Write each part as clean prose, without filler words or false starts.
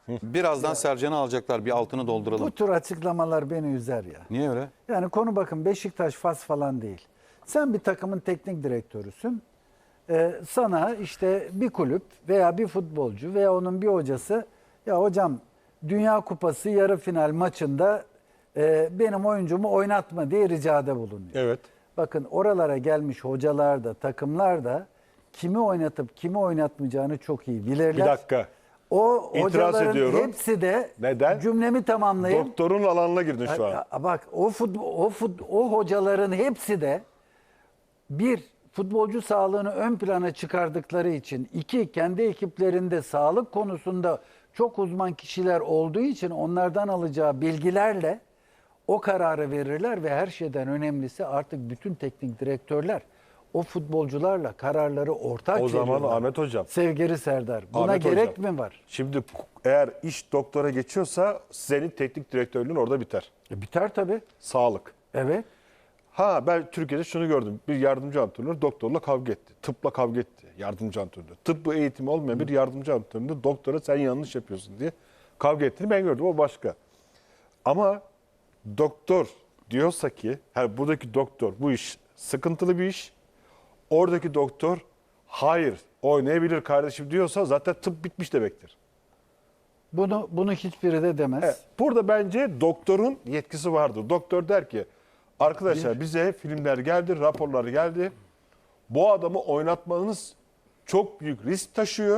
Birazdan Sercan'ı alacaklar. Bir altını dolduralım. Bu tür açıklamalar beni üzer ya. Niye öyle? Yani konu bakın Beşiktaş, Fas falan değil. Sen bir takımın teknik direktörüsün. Sana işte bir kulüp veya bir futbolcu veya onun bir hocası ya hocam Dünya Kupası yarı final maçında benim oyuncumu oynatma diye ricada bulunuyor. Evet. Bakın oralara gelmiş hocalar da takımlar da kimi oynatıp kimi oynatmayacağını çok iyi bilirler. Bir dakika. O İtiraz hocaların ediyorum. hepsi de Neden? cümlemi tamamlayayım. Doktorun alanına girdin şu an. Ya bak o hocaların hepsi de bir futbolcu sağlığını ön plana çıkardıkları için, iki kendi ekiplerinde sağlık konusunda çok uzman kişiler olduğu için onlardan alacağı bilgilerle o kararı verirler ve her şeyden önemlisi artık bütün teknik direktörler o futbolcularla kararları ortak O zaman veriyorlar. Ahmet Hocam. Sevgili Serdar, buna Ahmet gerek Hocam, mi var? Şimdi eğer iş doktora geçiyorsa senin teknik direktörlüğün orada biter. Biter tabii. Sağlık. Evet. Ha ben Türkiye'de şunu gördüm. Bir yardımcı antrenör doktorla kavga etti. Tıpla kavga etti. Yardımcı antrenör. Tıbbı eğitimi olmayan bir yardımcı antrenör doktora sen yanlış yapıyorsun diye kavga ettiğini ben gördüm. O başka. Ama doktor diyorsa ki buradaki doktor bu iş sıkıntılı bir iş. Oradaki doktor hayır oynayabilir kardeşim diyorsa zaten tıp bitmiş demektir. Bunu hiçbiri de demez. Evet, burada bence doktorun yetkisi vardır. Doktor der ki arkadaşlar bize filmler geldi, raporlar geldi. Bu adamı oynatmanız çok büyük risk taşıyor.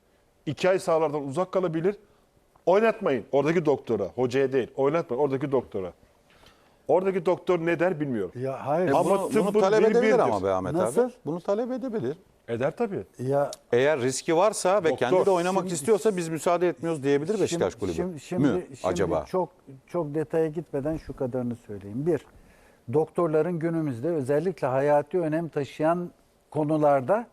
2 ay sahalardan uzak kalabilir. Oynatmayın oradaki doktora, hocaya değil. Oynatmayın oradaki doktora. Oradaki doktor ne der bilmiyorum. Ya hayır. Ama Bunu tıbbın talep dili edebilir birdir. ama be Ahmet Nasıl? abi. Bunu talep edebilir. Eder tabii. Ya Eğer riski varsa ve Doktor. kendi de oynamak Şimdi- istiyorsa biz müsaade etmiyoruz diyebilir Beşiktaş Kulübü. Şimdi Acaba? çok detaya gitmeden şu kadarını söyleyeyim. Bir, doktorların günümüzde özellikle hayati önem taşıyan konularda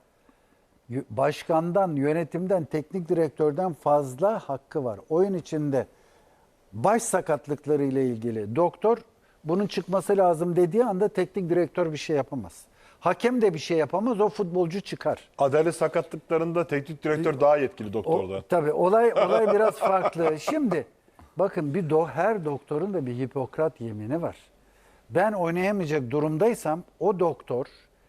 başkandan, yönetimden, teknik direktörden fazla hakkı var. Oyun içinde baş sakatlıkları ile ilgili doktor bunun çıkması lazım dediği anda teknik direktör bir şey yapamaz. Hakem de bir şey yapamaz, o futbolcu çıkar. Adalet sakatlıklarında teknik direktör daha yetkili doktorda. Tabii olay biraz farklı. Şimdi bakın her doktorun da bir Hipokrat yemini var. Ben oynayamayacak durumdaysam o doktor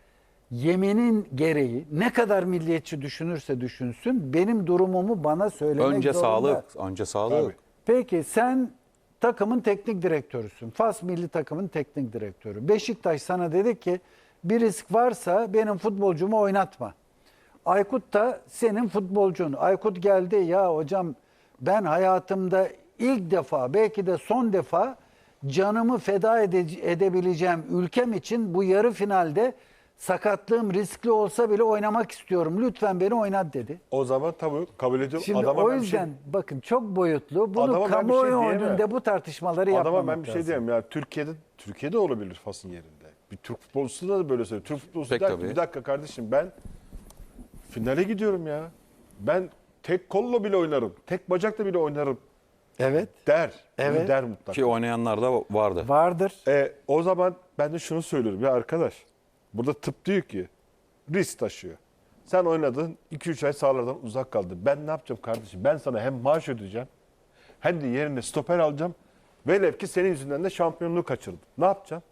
yeminin gereği ne kadar milliyetçi düşünürse düşünsün benim durumumu bana söylemek Önce zorunda. önce sağlık. Tabii. Peki sen takımın teknik direktörüsün. Fas milli takımın teknik direktörü. Beşiktaş sana dedi ki bir risk varsa benim futbolcumu oynatma. Aykut da senin futbolcun. Aykut geldi ya hocam ben hayatımda ilk defa belki de son defa canımı feda edebileceğim ülkem için bu yarı finalde sakatlığım riskli olsa bile oynamak istiyorum. Lütfen beni oynat dedi. O zaman tabii kabul ediyorum. Şimdi Adama o ben bir şey- yüzden bakın çok boyutlu. Bunu Adama ben bir şey kamuoyu diyemem. önünde bu tartışmaları yapmamak Adama ben bir şey lazım. diyeyim ya Türkiye'de olabilir Fas'ın yerinde. Bir Türk futbolcusu da böyle söylüyor. Türk futbolcusu Pek der ki tabii. bir dakika kardeşim ben finale gidiyorum ya. Ben tek kolla bile oynarım. Tek bacakla bile oynarım Evet. der. Bunu Evet. der mutlaka. Ki oynayanlar da vardı. Vardır. O zaman ben de şunu söylüyorum ya arkadaş. Burada tıp diyor ki risk taşıyor. Sen oynadın 2-3 ay sahalardan uzak kaldın. Ben ne yapacağım kardeşim? Ben sana hem maaş ödeyeceğim hem de yerine stoper alacağım. Velev ki senin yüzünden de şampiyonluğu kaçırdım. Ne yapacağım?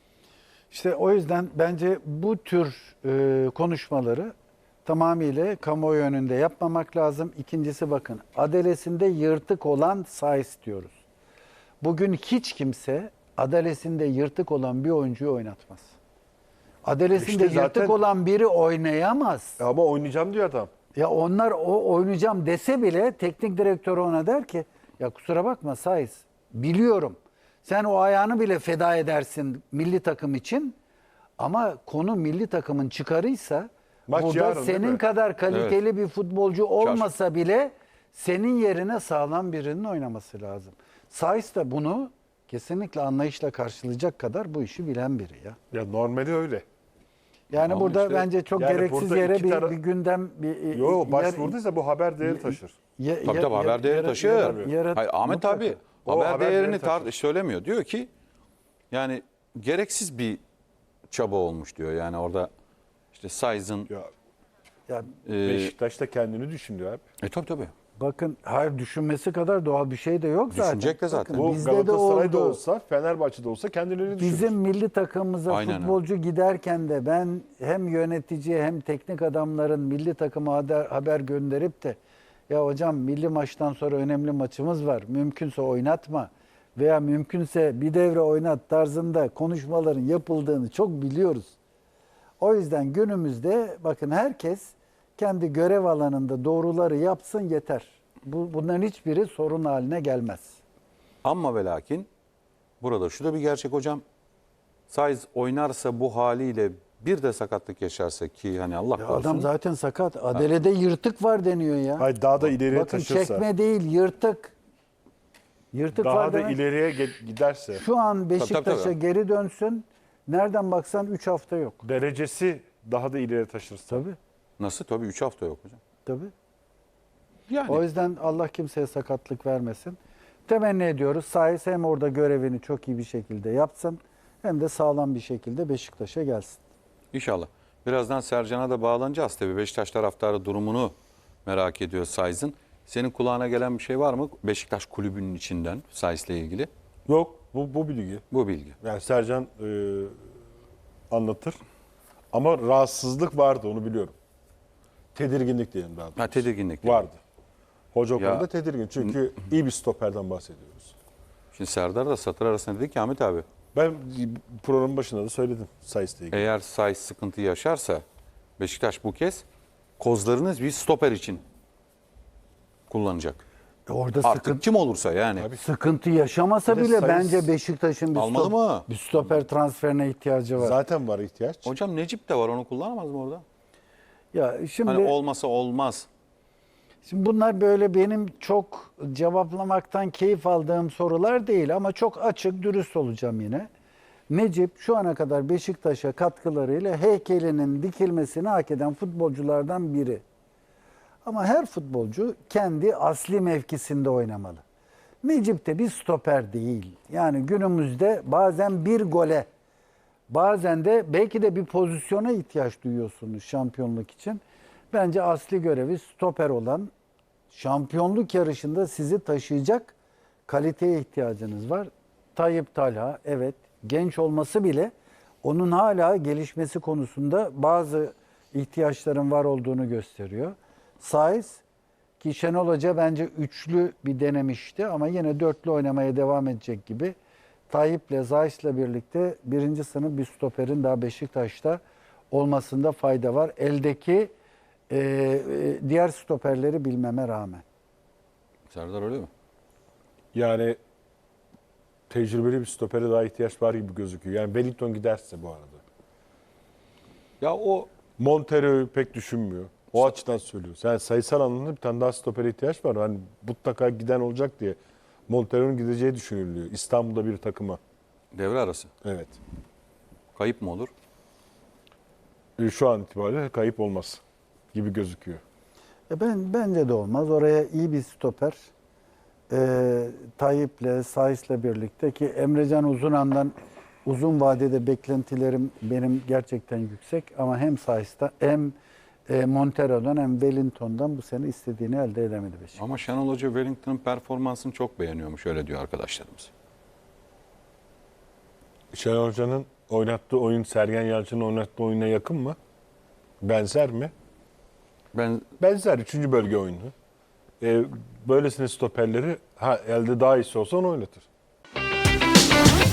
İşte o yüzden bence bu tür konuşmaları tamamıyla kamuoyu önünde yapmamak lazım. İkincisi bakın adalesinde yırtık olan Saiz diyoruz. Bugün hiç kimse adalesinde yırtık olan bir oyuncuyu oynatmaz. Adalesinde İşte zaten- yırtık olan biri oynayamaz. Ama oynayacağım diyor adam. Ya onlar oynayacağım dese bile teknik direktör ona der ki ya kusura bakma Saiz biliyorum. Sen o ayağını bile feda edersin milli takım için ama konu milli takımın çıkarıysa Maç burada yarın, değil senin mi? kadar kaliteli bir futbolcu olmasa bile senin yerine sağlam birinin oynaması lazım. Saiz de bunu kesinlikle anlayışla karşılayacak kadar bu işi bilen biri ya. Ya normali öyle. Yani Ama burada işte- bence çok yani gereksiz burada yere iki bir, taraf- bir gündem bir Yo başvurduysa bu haber değeri taşır. Tabii haber değeri taşıyor. Hayır, Ahmet abi O haber haber değerini değeri taşır. söylemiyor. Diyor ki yani gereksiz bir çaba olmuş diyor. Yani orada işte Saiz'ın Ya Ya, e, Beşiktaş da kendini düşünüyor abi. tabii. Bakın hayır düşünmesi kadar doğal bir şey de yok zaten. Düşünecek de zaten. Bakın, Bu bizde de Galatasaray'da oldu. olsa, Fenerbahçe'de olsa kendileri düşünür. Bizim milli takımımıza Aynen futbolcu giderken de ben hem yönetici hem teknik adamların milli takıma haber gönderip de ya hocam milli maçtan sonra önemli maçımız var. Mümkünse oynatma veya mümkünse bir devre oynat tarzında konuşmaların yapıldığını çok biliyoruz. O yüzden günümüzde bakın herkes kendi görev alanında doğruları yapsın yeter. Bunların hiçbiri sorun haline gelmez. Ama ve lakin burada şu da bir gerçek hocam. Saiz oynarsa bu haliyle bir de sakatlık yaşarsa ki hani Allah Ya korusun. adam zaten sakat. Adele'de yırtık var deniyor ya. Hayır, daha da ileriye Bakın taşırsa, çekme değil yırtık. Yırtık daha var da demek. ileriye giderse, Şu an Beşiktaş'a tabii. geri dönsün. Nereden baksan 3 hafta yok. derecesi daha da ileriye taşırsa. Tabii. Nasıl? Tabii 3 hafta yok hocam. Tabii. Yani O yüzden Allah kimseye sakatlık vermesin. Temenni ediyoruz. Saiz hem orada görevini çok iyi bir şekilde yapsın hem de sağlam bir şekilde Beşiktaş'a gelsin. İnşallah. Birazdan Sercan'a da bağlanacağız tabii. Beşiktaş taraftarı durumunu merak ediyor Saiz'in. Senin kulağına gelen bir şey var mı Beşiktaş kulübünün içinden Saiz'le ilgili? Yok, bu bilgi. Bu bilgi. Yani Sercan anlatır. Ama rahatsızlık vardı, onu biliyorum. Tedirginlik diyelim daha doğrusu. Ha, tedirginlik. Vardı. Hoca o Ya- konuda tedirgin. Çünkü iyi bir stoperden bahsediyoruz. Şimdi Serdar da satır arasında dedi ki Ahmet abi Ben programın başında da söyledim Saiz'le ilgili. eğer Saiz sıkıntı yaşarsa Beşiktaş bu kez kozlarını bir stoper için kullanacak. Orada Artık kim olursa yani. sıkıntı yaşamasa Bir de bile Saiz- bence Beşiktaş'ın Almalı mı? bir stoper transferine ihtiyacı var. Zaten var ihtiyaç. Hocam Necip de var, onu kullanamaz mı orada? Ya şimdi Hani olmasa olmaz. Şimdi bunlar böyle benim çok cevaplamaktan keyif aldığım sorular değil ama çok açık, dürüst olacağım yine. Necip şu ana kadar Beşiktaş'a katkılarıyla heykelinin dikilmesini hak eden futbolculardan biri. Ama her futbolcu kendi asli mevkisinde oynamalı. Necip de bir stoper değil. Yani günümüzde bazen bir gole, bazen de belki de bir pozisyona ihtiyaç duyuyorsunuz şampiyonluk için. Bence asli görevi stoper olan, şampiyonluk yarışında sizi taşıyacak kaliteye ihtiyacınız var. Tayyip Talha evet genç olması bile onun hala gelişmesi konusunda bazı ihtiyaçların var olduğunu gösteriyor. Saiz ki Şenol Hoca bence üçlü bir denemişti ama yine dörtlü oynamaya devam edecek gibi. Tayyip'le Zayis'le birlikte birinci sınıf bir stoperin daha Beşiktaş'ta olmasında fayda var. Eldeki diğer stoperleri bilmeme rağmen. Serdar öyle mi? Yani tecrübeli bir stopere daha ihtiyaç var gibi gözüküyor. Yani Wellington giderse bu arada. Ya o Montero'yu pek düşünmüyor. O açıdan söylüyoruz. Yani sayısal anlamda bir tane daha stopere ihtiyaç var. Hani mutlaka giden olacak diye Montero'nun gideceği düşünülüyor. İstanbul'da bir takıma. devre arası. Evet. Kayıp mı olur? Şu an itibariyle kayıp olmaz gibi gözüküyor. Bence de olmaz. Oraya iyi bir stoper Tayyip'le, Sais'le birlikte ki Emrecan Uzunan'dan uzun vadede beklentilerim benim gerçekten yüksek ama hem Sais'ten hem Montero'dan hem Wellington'dan bu sene istediğini elde edemedi Beşiktaş. Ama Şenol Hoca Wellington'ın performansını çok beğeniyormuş, öyle diyor arkadaşlarımız. Şenol Hoca'nın oynattığı oyun Sergen Yalçın'ın oynattığı oyuna yakın mı? Benzer mi? Ben Benzer. 3. bölge oyunu. Böylesine stoperleri elde daha iyisi olsa onu oynatır.